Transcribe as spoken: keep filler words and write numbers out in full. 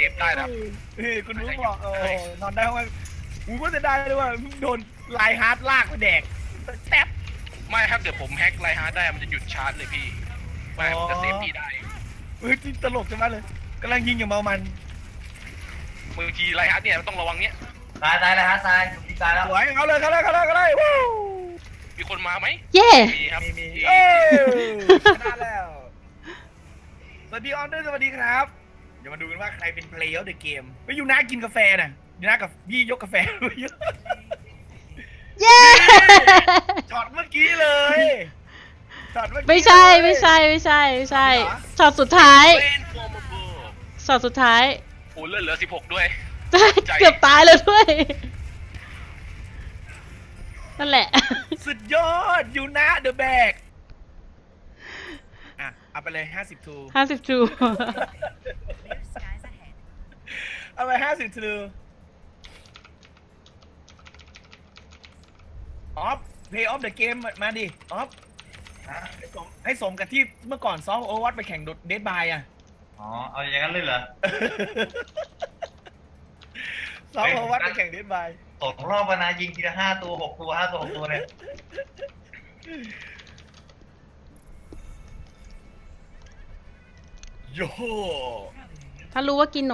ฟได้นะเฮ้ยคุณรู้บอกโอ้นอนได้เพราะว่ากูก็จะได้เลยว่าโดนไลฮาร์ดลากมาแดกแท็บไม่ถ้าเกิดผมแฮกไลฮาร์ดได้มันจะหยุดชาร์จเลยพี่ไม่มันจะเซฟพี่ได้เฮ้ยตลกจังเลยกำลังยิงอย่างเมามันบางทีไลฮาร์ดเนี่ยมันต้องระวังเนี้ยตายตายเลยฮะตายตายแล้วสวยเขาเลยเขาเลยเขาเลยเขาเลยว้าวมีคนมาไหมเย่มีครับมีมีเอ้ชนะแล้วสวัสดีออนด้วยสวัสดีครับเดี๋ยวมาดูกันว่าใครเป็นเพลย์ออฟเดอะเกมไปยูน่ากินกาแฟน่ะยูน่ากับพี่ยกกาแฟเย่ช็อตเมื่อกี้เลยช็อตเมื่อกี้ไม่ใช่ไม่ใช่ไม่ใช่ไม่ใช่ช็อตสุดท้ายเป็นฟอร์มเบอร์ช็อตสุดท้ายโอ้เลือดเหลือสิบหกด้วย ใจเกือบตายเลยด้วย นั่นแหละสุดยอดยูน่าเดอะแบกอ่ะเอาไปเลยห้าสิบทูห้าสิบจูเอาไปห้าสิบทูออฟเพย์ออฟเดอะเกมมาดิออฟให้สมให้สมกับที่เมื่อก่อนซอฟโอวัตไปแข่งเดดบายอ่ะอ๋อเอาอย่างนั้นเลยเหรอซอฟโอวัตไปแข่งเดดบายตกรอบมานะยิงทีละห้าตัวหกตัวห้าตัวหกตัวเนี่ยโย่ถ้ารู้ว่ากิน